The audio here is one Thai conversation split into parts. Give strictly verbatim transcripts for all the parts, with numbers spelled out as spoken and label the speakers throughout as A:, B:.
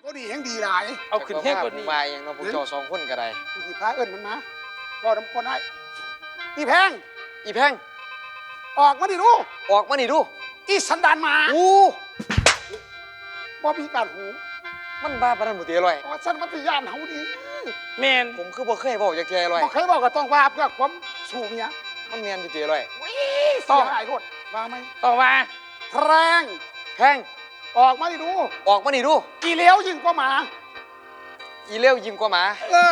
A: ก็ดีแห่งดีหลาย
B: เอาขึ้นแค่คนนี้
C: มาอย่างน้องพวกเจ้าสองคนก็ได้
A: อีพาเอิญมันมาบ่น้ำคนให้อีแพง
C: อีแพง
A: ออกมาดิลูก
C: ออกมานี่ดู
A: อีสันดานหมา
C: อู้
A: บ่มีการหู
C: มันบ้าปานนั้นหมดตีอร่อย
A: อ๋อฉันมัธยานเฮาดี
B: แมน
C: ผมคือบ่เคยบอกจากแกอร่อย
A: บ่เคยบอกก็ต้องว่าเพื่อความสูงเนี่ย
C: มันแมนอยู่ตีอร่อย
A: ต่อหายรถว่าไหม
B: ต่อมา
A: แพง
C: แพง
A: ออกมาดิดู
C: ออกมานี่ดู
A: อีเลี้ยวยิ่งกว่าหมา
C: อีเลี้ยวยิ่งกว่าหมา
A: เออ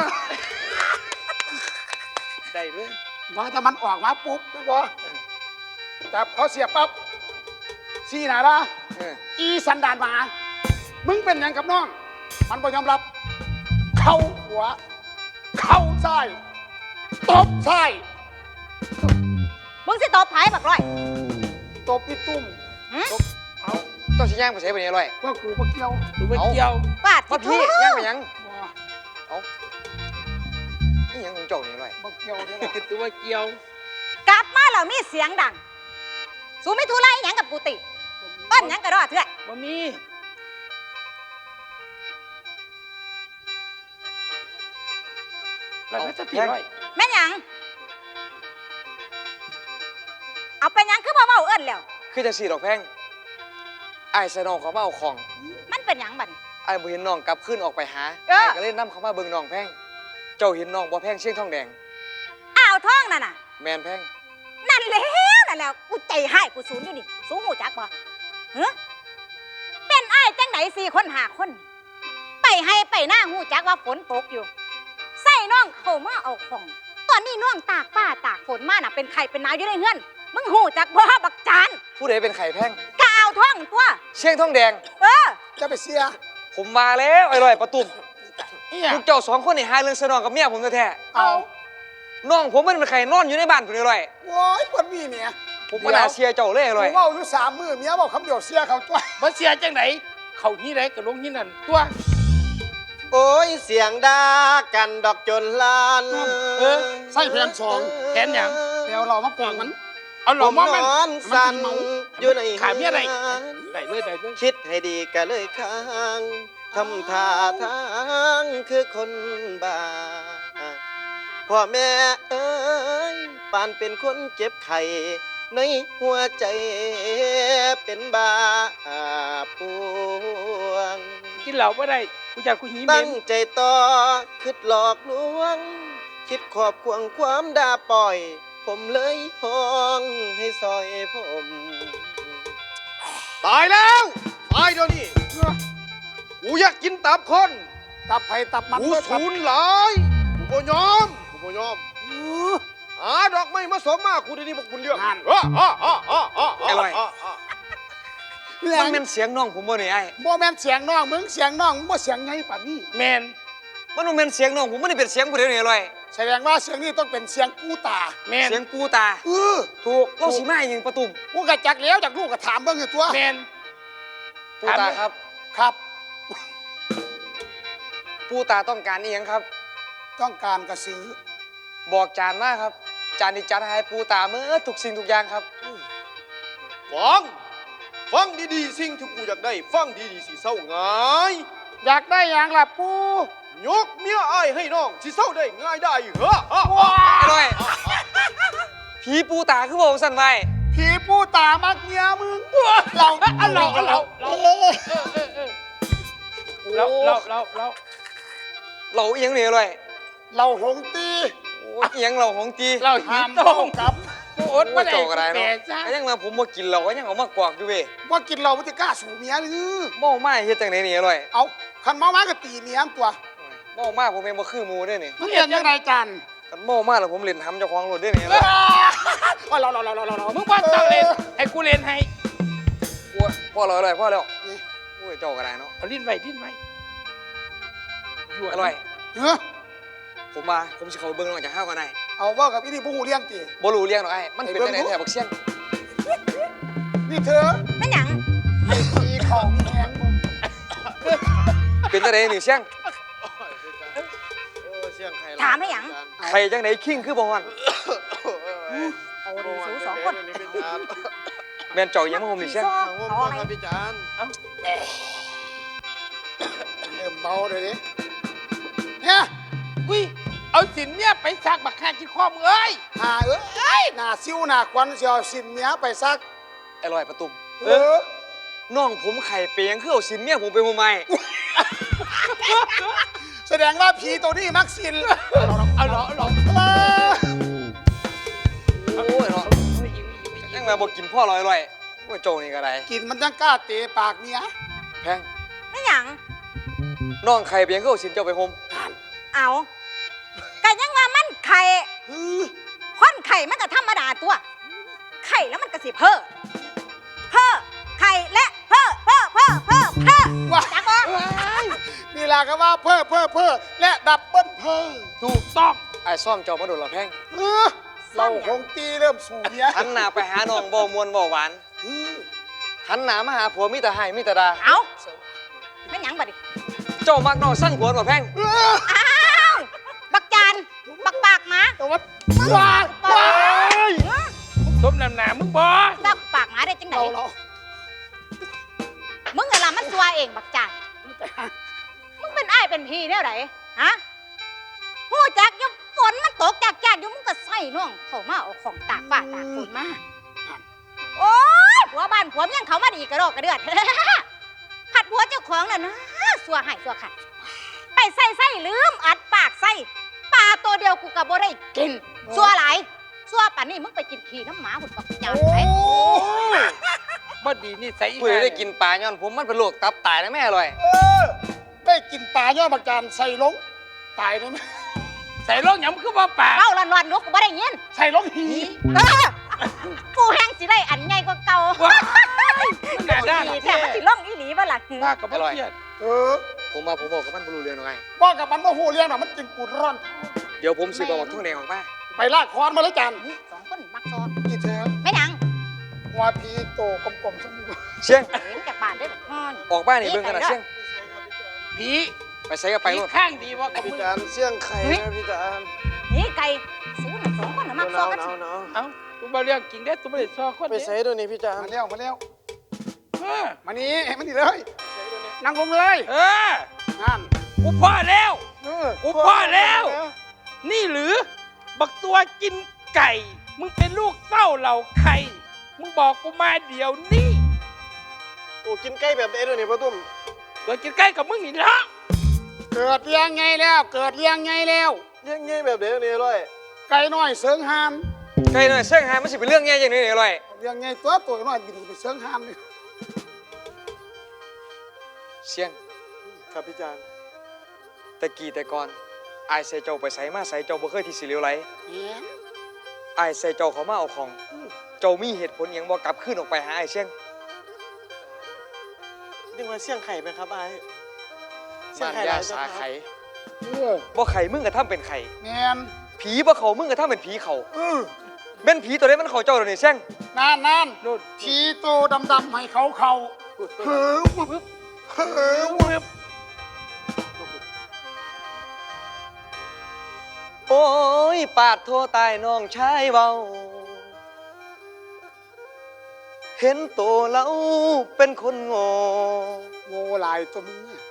B: ได้ด้วย
A: ว่าถ้ามันออกมาปุ๊บไม่พอจับเขาเสียบปั๊บซี่หนาละอีสันดานหมามึงเป็นยังกับน้องมันบ่ยอมรับเข้าหัวเข้าใส่ตบใส่
D: มึงสิตบไผ่บักร้อย
A: ตบพี่ตุ้ม
C: ตบเอาต้องชี้ย่างไปใช้ไปนี่อร่อย
A: ว่ากูมาเกี่ยว
B: ดูไปเกี่ยว
D: ปาด
C: ว่าพี่ย่างไปยังเอานี่ยังของเจ้านี่อร่อย
A: มาเกี่ยวเนี่ย
B: ดูว่าเกี่ยว
D: กลับมาแล้วมีเสียงดังสูไม่ทุไรหยังกับกูติต้นหยังกระรอดเถอะ
B: บ่มีเราไม่จะผิดร้อย
D: แม่หยังเอาไปหยังคือบ่เว้าเอิ้นแล้ว
C: คือจะสี่ดอกแพงไอ้ใส่น้องเขามาเอาของ
D: มันเป็นหยังบัด
C: ไอ้บ่เห็นน้องกลับขึ้นออกไปหาไอ้ก็เล่นน้ำเขามาเบิ่งน้องแพงเจ้าเห็นน้องบ่แพงเชียงทองแดง
D: อ้าวท้องนั่นน่ะ
C: แมนแพง
D: นั่นแล้วนั่นแล้วกูใจให้กูสูญอยู่นี่สูงหูจักบ่เฮ้เป็นอ้ายจังไหนสี่คนห้าคนไปให้ไปหน้าหูจักว่าฝนตกอยู่ใส่น้องเข้ามาเอาของตอนนี้น้องตากป้าตากฝนมาน่ะเป็นไข่เป็นนายอยู่ในเฮือนมึงหูจักบ่บักจาน
C: ผู้ใดเป็นไข่แพง
D: ก็เอาท้องตัว
C: เชียงทองแดง
D: เออ
A: จะไปเสีย
C: ผมมาแล้วไอ้ลอยประตุ่มพวกเจ้าสองคนนี่หาเรื่องสนองกับเมียผมแท้
A: ๆเอา
C: น้องผมมันเป็นไข่นอนอยู่ในบ้านผมไอ้ลอย
A: โว้ยคนมีเมีย
C: ผมก็น่าเชียร์เจ้าเลยไอ้ลอย
A: ผมว่าอยู่สามมือเมียบอกคำเดียวเสียเขาตัว
B: บ่เสียจังไหนเขาที่ไหนก็ลงที่นั่นตัว
E: โอ้ยเสียงด่ากันดอกจนลาน
A: เออใส่แผนสอง
B: แผนหยัง
A: เดี๋ยวเรามาปองมัน
B: เอาหลอมมัน
E: นสั่นอยู่ใน
B: ขามีอะไรได้เลยได้เลย
E: คิดให้ดีก็เลยค้างทำท่าทางคือคนบ้าพ่อแม่เอ้ยปานเป็นคนเจ็บไข้ในหัวใจเป็นบาปวง
B: กินเหล้าไม่ได้กูอยากกูหิว
E: ตั้งใจต่อคิดหลอกลวงคิดขอบควงความด่าปล่อยผมเลยห้องให้ซอยผมตายแล้วตายเดี๋ยวนี้กูอยากกินตับคน
A: ตับไผ่ตับมัน
E: กูสูญหลายกูบ่ยอมกูบ่ยอมหาดอกไม้มาสมมากูได้นี่บอกคุณเรื่อง
A: งาน
C: อะไรมันเป็นเสียงน้องผมบ่เนี่ยไอ้
A: บ่แม่นเสียงน้องมึงเสียงน้องมึงบ่เสียงไงป่านนี้
B: แมน
C: มันบ่แม่นเสียงน้องผมมันเป็นเสียงผู้เดียวนี่อร่อย
A: แสดงว่าเสียงนี้ต้องเป็นเสียงกูตา
B: แมน
C: เสียงกูตา
A: เออ
C: ถูกเราสีแม่ยิงประตุ่ม
A: กูกะจักแล้วจากลูกกะถามเบิ่งอยู่ตัว
B: แมน
C: ปูตาครับ
A: ครับ
C: ปูตาต้องการนี่ยังครับ
A: ต้องการกระสือ
C: บอกจานมาครับจานนี้จัดให้ปูตาเมื่อทุกสิ่งทุกอย่างครับ
E: ฟังฟังดีๆสิ่งที่กูอยากได้ฟังดีๆสิเศร้าง่าย
A: อยากได้อย่างล่ะปู
E: ยกเมียอ้ายให้น้องสิเศร้าได้ง่ายได้เหรอ
C: ว้าอร่อยผีปูตาคือบอกสั่นไว้
A: ผีปูตามักเมียมึงเรา
B: เราเราเราเราเราเราเรา
C: เราเอียงเนี่ยอร่อย
A: เราหงตี
C: เอียงเราหงตี
B: เราหินต้ง
A: กับ
B: กูอดไม่ได้
C: ก็ได้เนาะยังมาผมมากินเราก็ยังเอามากวากอยู่เว้ย
A: ว่ากินเรามันจะกล้าสู่เมียหรือ
C: เมาไม่เฮ็ดจังไหนนี่อร่อย
A: เอาคันเมามาก็ตีเมียตัว
C: เมามาผมเองมาคือมูด้วยนี่
A: มึงเรียนยังไงจัน
C: กันเมามาแล้วผมเล่นทำเจ้าของรถด้วยนี่
A: ว่าเราเราเราเราเรา
B: มึงพ่อต้องเล่นให้กูเล่นให้
C: พ่อเราอร่อยพ่อแล้วโอ้ยเจ้าก็ได้เนาะ
B: เอาลิ้นไว้ลิ้นไว้
C: อร่อย
A: เฮ้อ
C: ผมมาผมสิเขาเบิ้งน้องจากข้าวกันได้
A: เอาว่ากับพี่นี่ผู้หูเลี้ยงตี
C: บ่รู้เลี้ยงหรอกไอ้มันเป็นไหนแถวบักเชียง
A: นี่เธอ
D: ไม่หนัง
A: ไอ้ตีเขามีแหงมึง
C: เป็นจังไหนนี่เชียง
D: ถามได้หยัง
C: ใครจังไหนคิงคือบ่ฮอน
D: เอาดีสูสองคน
C: แม่นเจ้ายังมาผมนี่เชียง
E: เอาครับพี่จาน
A: เริ่มเบาเลยดิเนี่ย
B: อุ้ยเอาสินเนี่ยไปซักบักคาที่ข้อมือเอ้ย
A: หาเอ้ยหน้าซิวหน้าควันเสียวสินเมียไปซัก
C: ไอ้ลอยประตุม
A: เออ
C: น้องผมไข่เปียงคือเอาสินเมียผมไปโมไม
A: แสดงว่าผีตัวนี้มักสิน
B: เอาเหรอเอาเหรอ
A: เออ
C: โอ้ยเนาะยังมาบอกกินพ่อลอยลอยๆว่าโจนี่ก็ได้
A: กินมันยังกล้าเตะปากเมีย
C: แพง
D: ไม่หยัง
C: น้องไข่เปียงคือเอาสินเจ้าไปโฮม
D: เอาก็ยังว่ามันไข่
A: เออ
D: คนไข่มันก็ธรรมดาตัว ไข่แล้วมันก็สิเพ้อเพ้อไข่และเพ้อเพ้อเพ้อเพ้อเพ้อ
A: ว่า
D: จักบ่
A: นี่ล่ะก็ว่าเพ้อเพ้อเพ้อและดับเบิ้ลเพ้อ
B: ถูกต้อง
C: ไอ้ซ่อมเจ้ามาโดนเราแพง
A: เออเราคงตีเริ่มสู่เมีย
C: หันหน้าไปหาน้องบ่มวนบ่หวาน
A: เออ
C: หันหน้ามาหาผัวมิตรให้มิตรดา
D: เอาไม่หยังบัดดิ
C: เจ้ามักน้องสั่งผัวบ่แพง
A: เออ
D: อ้าวบักจานบักปากหมา
A: แต่ว่าว้ายว้าย
B: สมน้ำหนามึงบอ
D: บักปากหมาได้จังได
A: เราเรา
D: มึงไงล่ะมันซัวเองบักจานมึงเป็นอ้ายเป็นพี่เนี่ยไหนฮะหูจักอยังฝนมันตกจากจากอยู่มึงก็ใส่น้องเข้ามาเอาของตากฟ้าตากฝนมาโอ้ยผัวบ้านผัวเมียงเขามาดีกระโดดกระเดือด ผัดผัวเจ้าของน่ะนะสัวหายสัวขัดไปใส่ใส่ลืมอัดปากใส่ปลาตัวเดียวกูกับบ่ได้กินสัวหลายสัวป่านนี้มึงไปกินขี้น้ำหมาหุ่นปักจานไป
B: บ่ดีนี่ใส่
C: ผู้ใดได้กินปลาย้อนผมมันเป็นโรคตับตายนะแม่อร่อย
A: เออได้กินปลาย่อบักจานใส่ลงตายได้ไหม
B: ใส่ลงหยังมึงคือบ่ปาก
D: เล่าลอนๆนุกกูบ่ได้ยิน
A: ใส่ลงหี
D: เออกูแห้งสิได้อันใหญ่กว่าเก่า
B: ว้ายมันหนาด้าน
D: แถมมันสิล่องอีหลีบ่ล่ะ
B: ป้ากับบ่เครียด
A: เออ
C: ผมมาผมบอกกับมันบรูเรือนไง
A: ว่ากับมันว่าหูเลี้ยงน่ะมันกินปูดร้อน
C: เดี๋ยวผมสิบอกว่าทุ่งแดงออกมา
A: ไปลากคอนมาเลยจาน
D: สองคนมักซอ
A: กี่เธอ
D: ไม่หนัง
A: หัวพีโตกลมๆสักนิด
C: เชียง
D: เห็นจากบ้านได้แบบฮ้อน
C: ออกบ้านนี่เบิ่งกันนะเชียง
B: ผี
C: ไปใส่กับไป
B: ผี
C: นู่น
B: ข้างดีว่ากับ
E: พี่
B: มึง
E: จานเสี่ยงไข่นะพี่จาน
D: นี่ไก่สูน่ะสองคนน่ะมัก
E: ห
D: ซอ
E: นาว
D: กัน
E: หนาวหนาว
B: เอ้ากูบ่เรื่องจริงเด้อกูบ่ได้ซอคน
E: ไป
B: เด้
E: ใส่ด้วยนี่พี่จาน
A: มาเร็วมาเร็ว
B: เออ
A: มานี่ให้มันนี่เลยนั่งลงเลย
B: เออ
A: นั่น
B: กูพอแล้ว
A: เออ
B: กูพอแล้ว นี่หรือ บักตัวกินไก่ มึงเป็นลูกเต้าเหล่าไข่มึงบอกกูมาเดี๋ยวนี้
E: โอ้กินไก่แบบเอ็ดด้วยนี่พ่อตุ้ม
B: ตัวกินไก่กับมึงนี่ละ
A: เกิดเลี้ยงไงแล้ว เกิดเลี้ยงไงแล้ว
E: เลี้ยงง่ายแบบเอ็ดนี่ร้อย
A: ไก่น้อยเสิงหาน
C: ไก่หน่อยเชียงหายมันสิเป็นเรื่องแง่อย่างนี้นี่อร่อย
A: เลี้ยงไงตัวตัวน้อยบินไปเสิงหานเลย
C: เชียง
E: ครับพี่จาน
C: ตะกี้แต่ก่อนไอ้ายใส่เจ้าไปใส่มาใส่เจ้าบ่เคยที่สิเหลียวไหล
A: แหม
C: ไอ้ายใส่เจ้าเขามาเอาของ เจ้ามีเหตุผลหยังบ่กลับขึ้นออกไปหาไอ้เชียง
E: เรียกว่าเสี่ยงไข่ไหมครับไอ้เสี่ย
C: บ้าง น
E: ไข่ห
C: ยา
E: ลายจัง
C: สา
E: ครับ
C: ไข่
A: เออ
C: บ่ไข่มึงก็ทำเป็นไข่
A: แมน
C: ผีบ่เขามึงก็ทำเป็นผีเขา
A: เออ
C: แม่นผีตัวนี้มันเขาเจ้าเดี๋ยวนี้เชียง
A: นานนาน
B: นู่น
A: ทีโตดำๆให้เขาเขาเฮ้อวึบเฮ้อวึบ
C: โอ้ยปาดโทตายน้องชายเบาเห็นตัวเราเป็นคนโง่
A: โง่หลายตัวมึงเนี่ย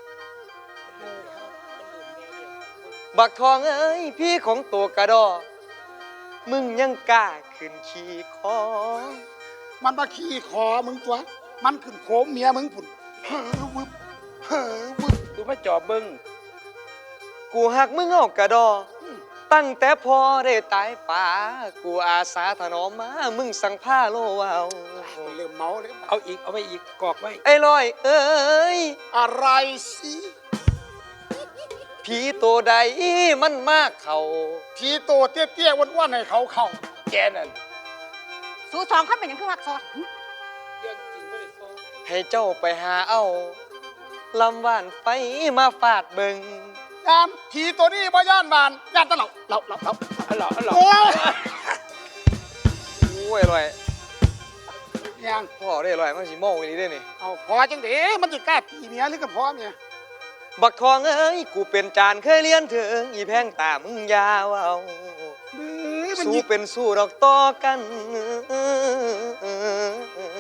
C: บักทองเอ้ยพี่ของตัวกระดอ มึงยังกล้าขึ้นขี่คอ
A: มันมาขี่คอมึงตัว มันขึ้นโคมเมียมึงผุนเฮ้อวึบเฮ้อวึบ
B: กูมาจอบเบิ่ง
C: กูหักมึงเอากระดอ ตั้งแต่พอได้ตายป่า กูอาสาถนอมมา มึงสั่งผ้าโลวาว
A: เริ่มเมาเลย
B: เอาอีกเอาไปอีกกอกไว้
C: ไอ้ลอยเอ้ย
A: อะไรสิ
C: ผีตัวใดมันมากเขา
A: ทีโตเตี้ยๆอ้วนๆให้เขาเขา
B: แกนั่น
D: สูสองคนเป็นหยังคือมักซอ
B: เรื่องจริงบ่ได้ซอ
C: ให้เจ้าไปหาเอาลำหวานไปมาฟาดเบิง
A: ยามทีตัวนี้บ่ย่านบานย่านตะเหล่าเหล่าเหล่าเหล่า
B: เอาเหรอเอาเหรอ
A: โอ้ย
C: โอ้ยอร่อย
A: ยัง
C: พ่อได้อร่อยมันสิโม่อีนี้ได้นี่
A: เอาพอจังเด้มันจะกล้าตีเมียหรือกับพ่อเมีย
C: บักทองเอ้ย กูเป็นจานเคยเลี้ยนถึง อีแพงตามึงยาวเอา
A: บื้อมัน
C: สู้
A: ยิง
C: เป็นสู้ดอกต่อกัน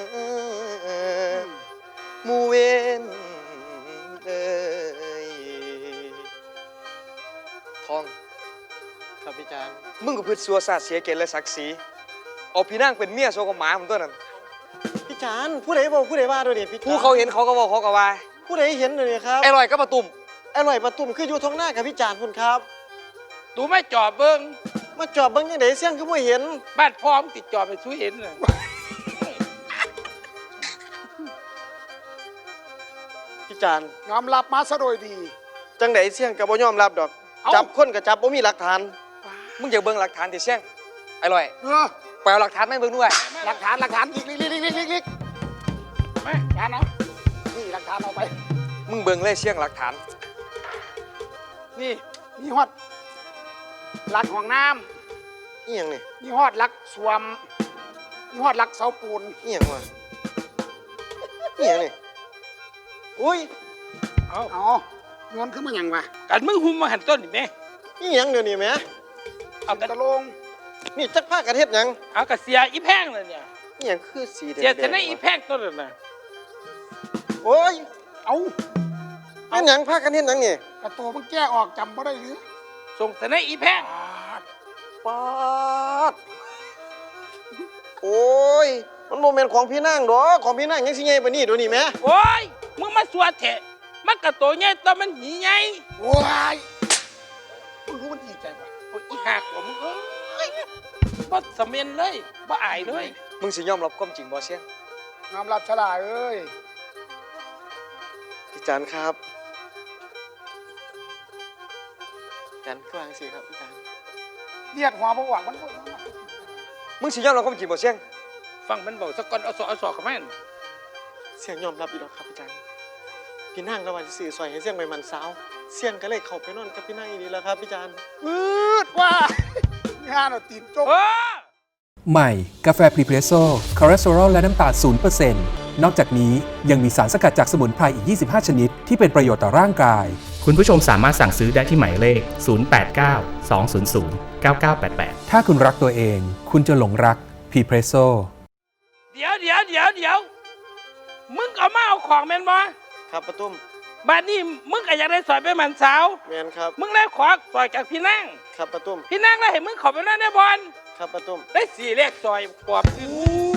C: หมูเวนเอ้ยอง
E: ครับพี่จาน
C: มึงก็พืชสัวซาดเสียเกียรติและศักดิ์ศรีเอาพี่นางเป็นเมียโซกับหมาผมตัวนั้น
E: พี่จานผู้ใดบอกผู้ใดว่าด้วยนี่พี่จาน
C: ผู้เขาเห็นเขาก็บอกเขาก็ว่า
E: ผู้ใดเห็นเลยครับ
C: ไอ้ลอยก็มาตุ่ม
E: อร่อยประตุ่มคืออยู่ท้องหน้ากับพี่จานคุณครับ
B: ตูไม่จอบเบิ้ง
E: มาจอบเบิ่งยังไงเสี่ยงคือบ่เห็น
B: บ้านพร้อมติดจอบไปสู้เห็นเลย
E: พี่จาน
A: ยอมรับมาซะโดยดี
E: จังไดเสี่ยงก็บ่ยอมรับดอก
A: เอ้า
E: จับคนก็จับบ่มีหลักฐาน
C: มึงอยากเบิ่งหลักฐานที่เสี่ยงไอ้ลอย
A: เออ
C: ไปเอาหลักฐานมาให้เบิ่งด้วย
A: หลักฐานหลักฐานลิกลิกลิกลิกลิกลิกลิก
B: แม่
A: ฐานเอานี่หลักฐานเอาไป
C: มึงเบิ่งเลยเสี่ยงหลักฐาน
A: นี่มีฮอดหลักห้องน้
E: อีหยังนี่
A: ำมีฮอดหลักสวมมีฮอดหลักเสาปูน
E: อีหยังวะอีหยังนี่อุ้ย
B: เอา
A: อ๋อโยนขึ้นมาอย่างวะ
B: กันมึงหุมมาหันต้นนี่แม่
E: อีหยังเดี๋ยวนี้แหม
B: เอากัน
A: ตะลง
E: นี่จักพากันเฮ็ดหยัง
B: เอากระเสียอีแพงเลยเนี่ย
E: อีหยังคือสีแดง
B: เสีย
E: ๆ
B: ชนะอี
E: วะ
B: แพงต้นนั้นนะ
E: โอ้ย
A: เอา
E: เป็นหยังพากันเฮ็ดหยังนี่
A: กระตัวมันแก้ออกจำบ่ได้หรือ
B: ส่งชนะอีแพง
E: ปาดโอ้ยมันโมเมนต์ของพี่นางดอกของพี่นางยังสิใหญ่ปานนี้เดี๋ยวนี้แหม
B: โอ้ยมึงมาสวดเถอะมันกระโตใหญ่ตัวมันหีใหญ่
A: ว้ายมึงรู้มันดีใจปะ
B: โอ้ยอีหักผมงเอ้ยบ่สำเร็จเลยบ่อายเลย
C: มึงสิยอมรับความจริงบ่เสี่ยง
A: ยอมรับฉลาดเอ้ย
E: พี่จานครับจานกลางสิครับพี่จาน
A: เลียดหัวบ่หวังมันบ่
C: มึงสิยอมรับความจริงบ่เสี่ยง
B: ฟังมันบอกสักก่อนเอาสอเอาสอเข้ามา
E: เสียงยอมรับอีกแล้วครับพี่จานพี่นางระหว่างสื่อซอยให้เสียงไปมันสาวเสียงก็เลยเข้าไปนอนกับพี่นางอีนี้แล้วครับพี่จาน
A: อืดว่างานเอาตีนจก
B: เออ
F: ใหม่ กาแฟพรีเพรสโซ่คอเลสเตอรอลและน้ำตาล ศูนย์เปอร์เซ็นต์ นอกจากนี้ยังมีสารสกัดจากสมุนไพรอีก ยี่สิบห้า ชนิด ที่เป็นประโยชน์ต่อร่างกาย
G: คุณผู้ชมสามารถสั่งซื้อได้ที่หมายเลข ศูนย์ แปด เก้า สอง ศูนย์ ศูนย์ เก้า เก้า แปด แปด
F: ถ้าคุณรักตัวเอง คุณจะหลงรักพรีเพรสโซ่
B: เดี๋ยวเดี๋ยวเดี๋ยวเดี๋ยวมึงเอามาเอาของแม่นบ่
E: ครับป้าตุ้ม
B: บัดนี้มึงก็อยากได้สอยไปหมันสาว
E: แมนครับ
B: มึงได้ขอสอยจากพี่นาง
E: ครับป้าตุ้ม
B: พี่นางได้เห็นมึงเขอไปนั่นได้บอล
E: ครับป้าตุ้ม
B: ได้สี่เลขซอยปอบคือ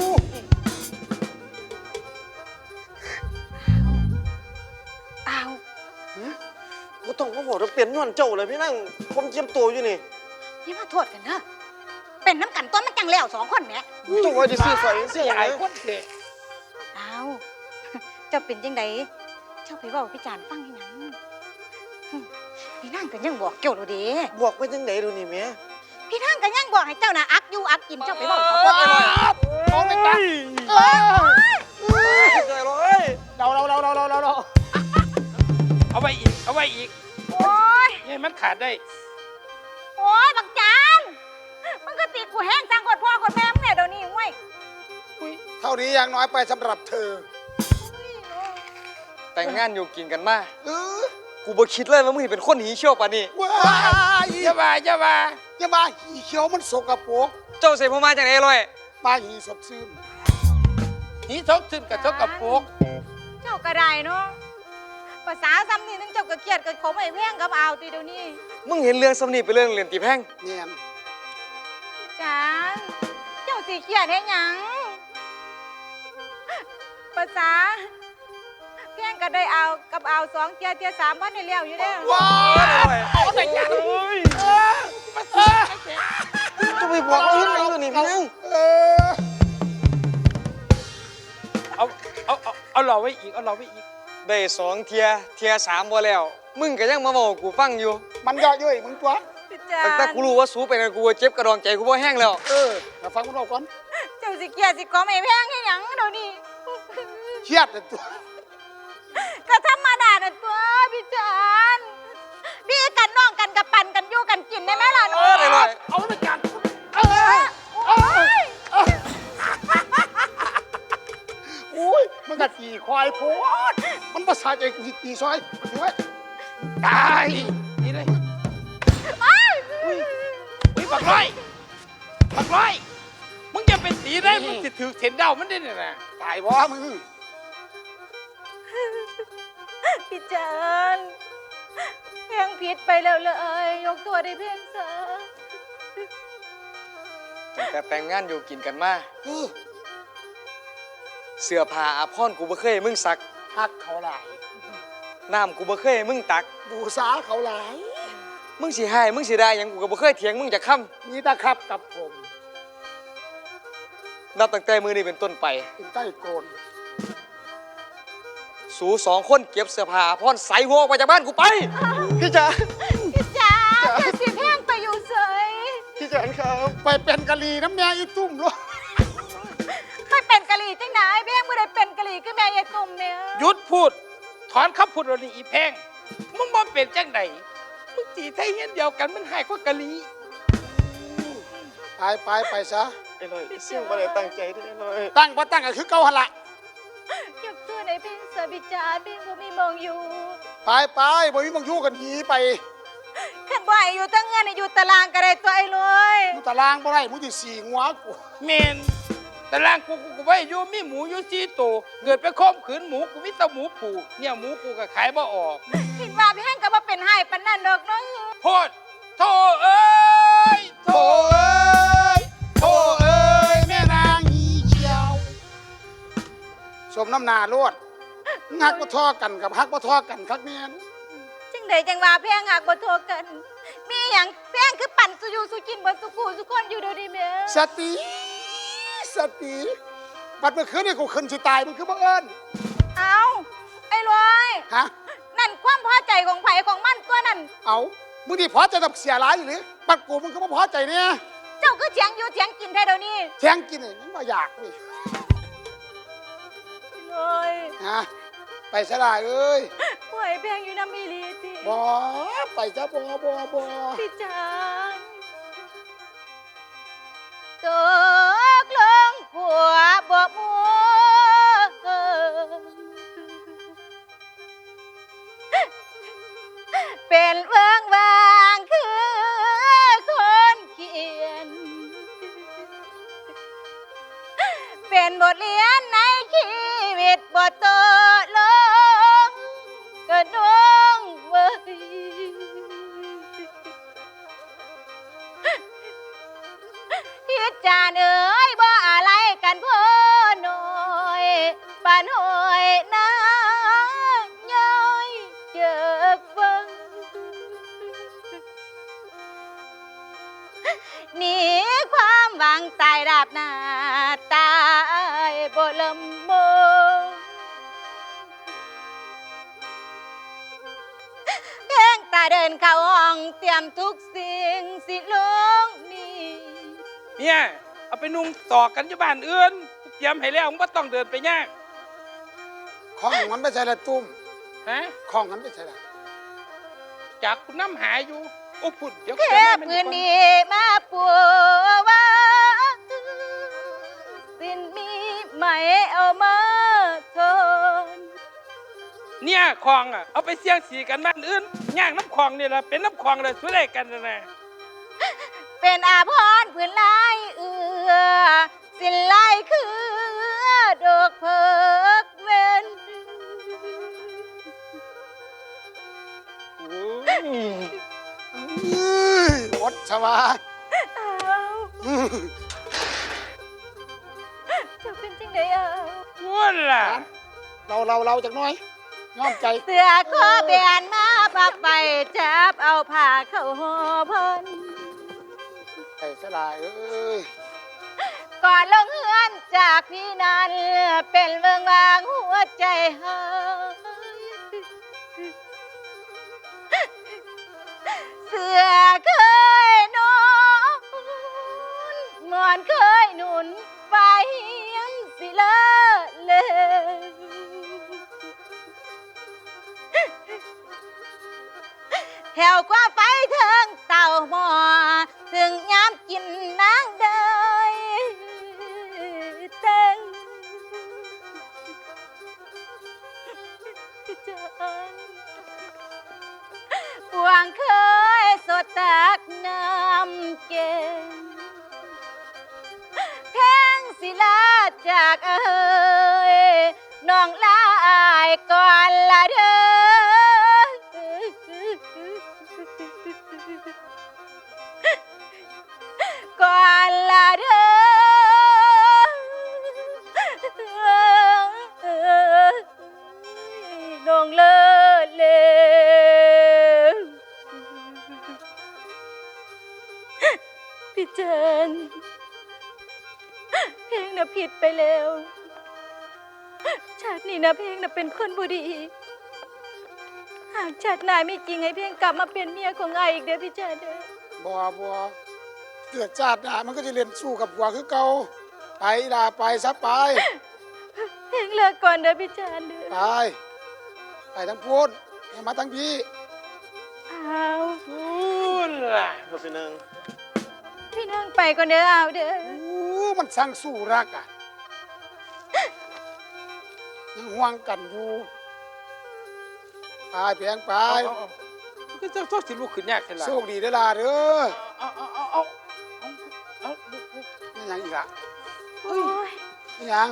D: เอา
E: กูต้องมาบอกว่าเปลี่ยนย้อนเจ้าเลยพี่นั่งผมเจียมตัวอยู่นี่
D: พี่มาโทษกันเนอะเป็นน้ำกันต้นมันจังแล้วสองคนแหม่
E: เจ้าไว้จะซื้อใส่เสียอย่าง
B: ไอ้
E: ไร
B: คนเด็ก
D: เอา เจ้าเป็นจังไดเจ้าไปเว่าพี่จานฟังให้หยังหึพี่นางก็ยังบอกเจ้าดูเด้
E: บอกไปจังไหนดูนี่แม่
D: พี่นางก็ยังบอกให้เจ้าน่ะอักอยู่อักกินเจ้าไปเว่าให้เขาฟัง
A: โอ้ยจ้ะเออ
E: ใจเลย
A: เราเราเราเราเราเราเรา
B: เอาไว้อีกเอาไว้อีก
D: โอ้ย
B: นี่มันขาดได้
D: โอ้ยบักจานมันก็ตีกูแห้งจังกดพ่อกดแม่มึงเนี่ยเดี๋ยวนี้เว้ย
A: เท่านี้ยังน้อยไปสำหรับเธอ
C: แต่งงานอยู่กินกันมา
A: เออ
C: กูบ่คิดเลยว่ามึงสิเป็นคนหีเชี่ยวปานนี้
A: ว้าย
B: อย่าว่าอย่าว่า
A: อย่ามาหีเขียวมันสกปรก
C: เจ้าเสพมาจากไหนลอย
A: มาหีสดชื่น
B: นี่ทกขึ้นกับทกกับโปก
D: เจ้าก็ได้เนาะภาษาซ้ำนี่นึงเจ้าก็เครียดกับเขาไม่แพงกับเอาตีเดี๋ยวนี้
C: มึงเห็นเรื่องสำนีเป็นเรื่องเรียนตีแพง
A: เนียน
D: จานเจ้าสิเครียดให้หยังภาษาเพียงก็ได้เอากับเอาสองเทียเทียสามวันในเลี้ยวอยู่แล้ว
A: ว้ายเอาแต่ยัน
B: เออมาเสีย
E: จะไปบอกเราเห็นไหนดูนี่พี่นั่ง
A: เออ
B: เอาเอาเอาเอาหล่อไว้อีกเอาหล่อไว้อีก
C: ได้สองเทียเทียสามบ่แล้ว มึงก็ยังมาบอกกูฟังอยู่
A: มันเยอะเย้ยมึงตัว
D: จา
C: ตั้งแต่
D: น
C: กูรู้ว่าสูไปนั่นกูว่าเจ็บกระดองใจกูบ่แห้งแล้ว
A: เออมาฟังมึงบอกก่อน
D: เจ้าสิเครียดสิขอไม่แพงให้หยังเดี๋ยวนี้
A: เครียดแต่ตัว
D: ก็ธรรมดาน่ะตัวพี่จานพี่กันน้องกันกับปั่นกันอยู่กันกินได้ไหมล่ะหนู
C: เออได้เลย
A: เอาแต่ยันเออ
D: โอ้ย
A: อุ้ยมันกัดขี่ควายโพดมันภาษาใจกูสิตีซอยมันถือว่าตาย
B: นี่เลยอุ้ยบักร้อยบักร้อยมึงจะเป็นสีได้มึงจะถือเข็นเดามันได้เนี่ยนะ
A: ตายบ่มึง
D: พี่จานแพงผีผิดไปแล้วเลยยกตัวได้เพียงซะ
C: ตั้งแต่แต่งงานอยู่กินกันมา
A: เออ
C: เสื้อผ้าอาภรณ์กูบ่เคยให้มึงซัก
A: ฮักเขาหลาย
C: น้ำกูบ่เคยให้มึงตัก
A: บูษาเขาหลาย
C: มึงสิให้มึงสิได้หยังกูก็บ่เคยเถียงมึงจักคำ
A: นี่ตาครับกับผม
C: นับตั้งแต่มื้อนี้เป็นต้นไป
A: เป็นใต้โกน
C: สูสองคนเก็บเสื้อผ้าอาภรณ์ใส่หัวออกไปจากบ้านกูไป
E: พี่จ๋า
D: พี่จ๋าอย่าสิแพงไปอยู่เสย
E: พี่จ๋าครับ
A: ไปเป็นกะลีน้ำแม่อีตุ้มลูก
D: ไปเป็นกะหรี่จังไหนเพียงบ่ได้เป็นกะหรี่คือแม่ยายตุ่มเนี่ย
B: หยุดพูด ถอนคำพูดเรานี่อีแพงมึงบ่เป็นจังไดมึงตีไทยเฮียนเดียวกันมันหายกว่ากะลี
A: ไปไปไปซะ
E: ไอ้ลอยเสี่ยงมาเลยตั้งใจด้วยไอ้ลอย
A: ตั้งบ่ตั้งก็คือเก่าหันละ
D: ยกตัวได้เพียงซะพี่จ๋าเพียงบ่มีมองอยู่
A: ไปไปบ่มีบางอยู่กันหีไป
D: ขันบ่ให้อยู่ตั้งเงินให้อยู่ตารางก็ได้ตัวไอ้เลย
A: อยู่ตารางบ่ได้มึงสิสีหัวกู
B: เมนแต่ล่างกูกูกูไว้อยู่มีหมูอยู่สี่ตัวเกิดไปข่มขืนหมูกูมีแต่หมูผูเนี่ยหมูกูก็ขายบ่ออก
D: คิดว่าพี่แห้งก็บ่เป็นให้ปานนั้นดอกเนาะ
B: โพดโธ่เอ้ยโธ่
A: โอ้ยโอ้เอ้ยแม่นางหีเขียวสมน้ำหนาโลดฮักบ่ทอกันกับฮักบ่ทอกันคักแม่น
D: จังใดจังว่าพี่แห้งหักบ่โทรกัน มีหยังพี่แห้งคือปั่นสุอยู่สุกินบ่สุกูสุคนอยู่เดี๋ยวนี้แม่
A: สติสติบัดเมื่อคืนนี่กูขึ้นสิตายมึงคือบ่เอิ้น
D: เอาไอ้ลอย
A: ฮะ
D: นั่นความพอใจของไผของมันตัวนั่น
A: เอามึงนี่พอใจกับเสียหลายอยู่หรือบัดกูมึงก็บ่พอใจเนี่ย
D: เจ้าคือเถียงอยู่เถียงกินแท้เดี๋ยวนี้
A: แทงกินนี่มันบ่อยากนี่
D: ลอย
A: ฮะไปซะได้เอ้ย
D: ปล่อยแพงอยู่น้ำมีลีติ
A: บ่ไปซะบ่บ่บ่
D: พี่จานตกลงผัวบ่มัวเป็นเวิงวางคือคนเขียน เป็นบทเรียนในชีวิตบทโตลงกระดงเว้ยพิจารเอ๋ยบ่อะไรกันพ่อหน่อยปานหอยน้ำย้อยเจอกฟังหนีความหวังตายราบหน้าตายบ่ลำบงเพียงตาเดินเข้าห้องเตรียมทุกสิ่งสิลงนี่
B: เนี่ยเอาไปนุ่งต่อกันอยู่บ้านอื่นกูเตรียมให้แล้วมึงบ่ต้องเดินไปยาก
A: ของมันไม่ใช่ละตุ้ม
B: ฮะ
A: ของมันไม่ใช่ละ
B: จากคุณน้ำหาอยู่โอ้พุ่นเดี๋ยว
D: แค่
B: เดี๋ยวแม่
D: ปืน
B: มัน
D: ดีมาปัวว่าสิ้นมีไหมเอามาทน
B: เนี่ยคลองอ่ะเอาไปเสี่ยงสีกันบ้านอื่นย่างน้ำคลองนี่แหละเป็นน้ำคลองเลยช่วยได้กันนะนะ
D: เป็นอาพรณ์พื้นลายเอือสิ้นลายคือดอกเพิกเว้น
A: อื้ออดชวา
D: อ้าว
A: อื้อ
D: เจะเป็นจังไดอ้าว
B: พูดล่ะ
A: เราเราเราจากหน้อยยอมใจ
D: เสือคอแบนมาปักไปจับเอาผ้าเข้าห่อเพัน
A: ไปซะได้เอ้ย
D: ก่อนลงเฮือนจากพี่นั้นเป็นเมืองวางหัวใจหายเสือเคยนอนหมอนเคยหนุนไปยังสิเลอะเลยแถวกว่าไฟเทิงเต่าหมอถึงยามกินนางเดยเต้งจานปวงเคยสดตักน้ำเก่งแพงศิลาจากเอ่ยน้องลายก่อนละเด้อชิญเพลงน่ะผิดไปแล้วชาตินี้นะเพลงน่ะเป็นคนบ่ดีหากชาติหน้ามีจริงให้เพลงกลับมาเป็นเมียของไอ้อีกเด้อพี่ชาติเด้อ
A: บัวบัวเกิดชาติหน้ามันก็จะเรียนสู้กับบัวคือเก่าไปด่าไปซะไป
D: เพลงเลิกก่อนเด้อพี่ชาติเด้อ
A: ไปไปทั้งพูดให้มาทั้งพี่
D: อ้าว
B: พูดล่ะ
E: ครับพี่นาง
D: พี่นั่งไปก่อนเด้อเอาเด้อ
A: โอ้มันสั่งสู้รักอ่ะยังห่วงกันอยู่ไปเพียงไป
B: เอาเอาเอาก็จะต้องสิลูกขึ้นยากแค่ละ
A: โชคดีเด้อล่ะเด้อ
B: เอาเอาเอาเอาเอาเอาลูกลูก
A: นี่ยังอีกอ่ะ
D: โอ้ย
A: นี่ยัง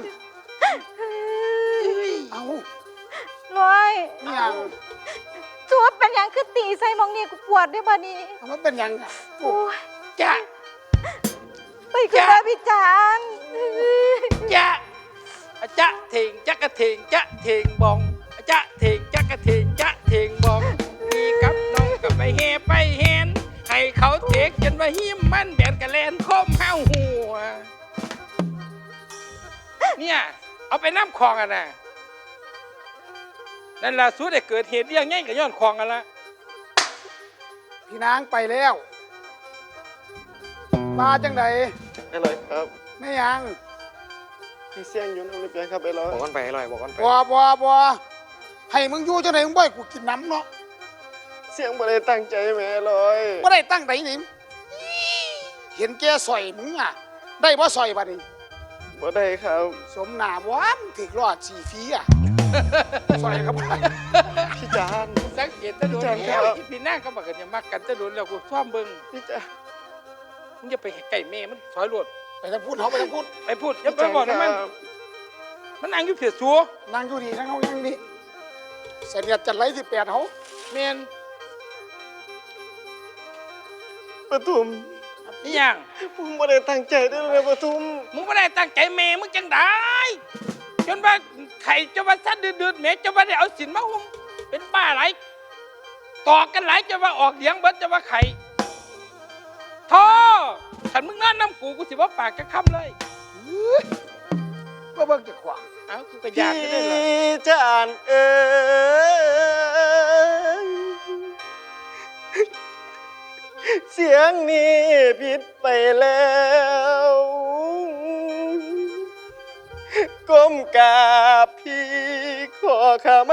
A: เอา
D: ร้อย
A: นี่ยัง
D: ตัวเป็นหยังคือตีใส่หมองนี่กูปวดด้วยบัดนี้
A: เอามันเป็นยังอ่ะ
D: โอ้ย
B: จ้ะ
D: ไปคือว่าพี่จาน
B: จ้ะอะจ๊ะเถงจ๊ะกะเถงจ๊ะเถงบองอะจ๊ะเถงจ๊ะกะเถงจ๊ะเถงบองมีกับน้องกับไปเฮไปเห็นให้เขาเทกจนว่าหิมมันแบนกะแลนคมห้าวหัวเนี่ยเอาไปน้ำคลองอ่ะนะนั่นล่ะสู้ได้เกิดเหตุเรื่องง่ายกับย้อนคลองกันละ
A: พี่นางไปแล้วมาจังได
E: ไอ้ลอยครับ
A: ไม่ยัง
E: พี่เสียงอยู่น้ำเลยเปียงครับไอ้ลอย
C: บอกกันไปอร่อยบอกกันไป
A: บัวบัวบัวให้มึงอยู่จังไดมึงบ่ให้กูกินน้ำเนาะ
E: เสียงบ่ได้ตั้งใจแม่ลอย
A: บ่ได้ตั้งไหนนี่เห็นแกสอยมึงอ่ะ ได้บ่สอยบัดนี้
E: บ่ได้ครับ
A: สมหน้าบ่มนถึกรอดสีฟีอ่ะ สอยครับ
E: พี่จาน
B: สังเกตตะโดน
E: จัง
B: แล้ว
E: ครับ
B: อีพี่นางก็บอกกันอย่ามักกันตะโดนแล้วกูซ่อมเบิ่ง
E: พี่จาน
B: มึงอย่าไปไก่แม่มันถอยรถ
A: ไปทางพูดเขาไปทางพูด
B: ไปพูดอย่าไปบอกนะมัน
E: ครับ
B: มันนั่งอยู่เพียสัว
A: นั่งอยู่ดีนั่งเขายังนี่เสียดจัดไรสิแปดเขา
B: แมน
E: ปทุม
B: อีหยัง
E: ผมบ่ได้ตั้งใจเด้อเลยปทุม
B: มึงไม่ได้ตั้งใจแม่มึงจังได้จนว่าไข่จะว่าสั้นเดือดๆแม่จะว่าได้เอาสินมาหุ้มเป็นบ้าไรต่อกันหลายจะว่าออกเลี้ยงเบิดจะว่าไข่ท่อขันมึงนั่นน้ำกูกูสิว่าปากจะค้ำเลย
A: ก็เบิ่งจะขวาง
B: เอ้ากูก็อยากจะได้เหรอ
E: พี่จานเอ้ยเสียงนี้ผิดไปแล้วก้มกราบพี่ขอขมา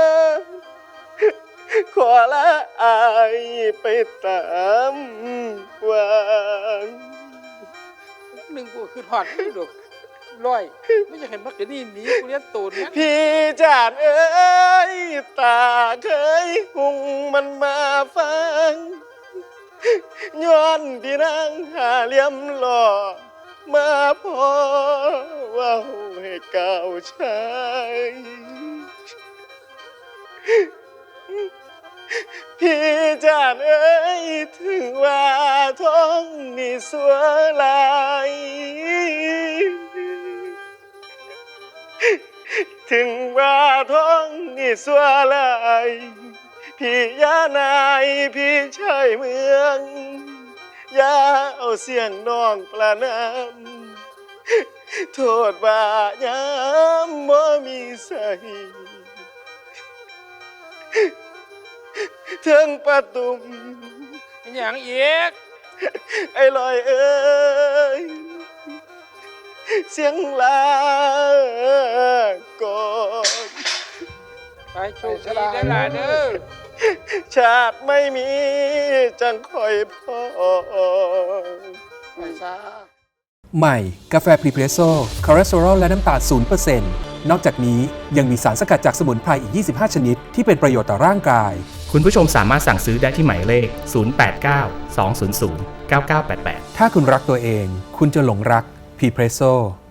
E: ขอละอายไปตามวาง
B: หนึ่งกูคือหอดไม่ดอกร้อยไม่อยากเห็นมักกะนี่หนีกูเลี้ยงตูนนั้น
E: พี่จานเอ้ยตาเคยหุงมันมาฟังย้อนพี่นางหาเหลี่ยมหล่อมาพอเว่าให้เก่าชายพี่จานเอ้ยถึงว่าท้องนี่สัวลายถึงว่าท้องนี่สัวลายพี่ยานายพี่ชายเมืองอย่าเอาเสียงน้องประนามโทษว่ายามบ่มีใส่เทิงประตุม
B: อหย่างเอีก
E: ไอ้ลอยเอ้ยเสียงลาก่อน
B: ไปโชคดีได้อล่ะเด้อ
E: ชาติไม่มีจังคอยพอ
A: ไปซะ
F: ใหม่ กาแฟพรีเพรสโซ่คอเลสเตอรอลและน้ำตาล ศูนย์เปอร์เซ็นต์ นอกจากนี้ยังมีสารสกัดจากสมุนไพรอีก ยี่สิบห้า ชนิด ที่เป็นประโยชน์ต่อร่างกาย
G: คุณผู้ชมสามารถสั่งซื้อได้ที่หมายเลข ศูนย์ แปด เก้า สอง ศูนย์ ศูนย์ เก้า เก้า แปด แปด
F: ถ้าคุณรักตัวเอง คุณจะหลงรักพรีเพรสโซ่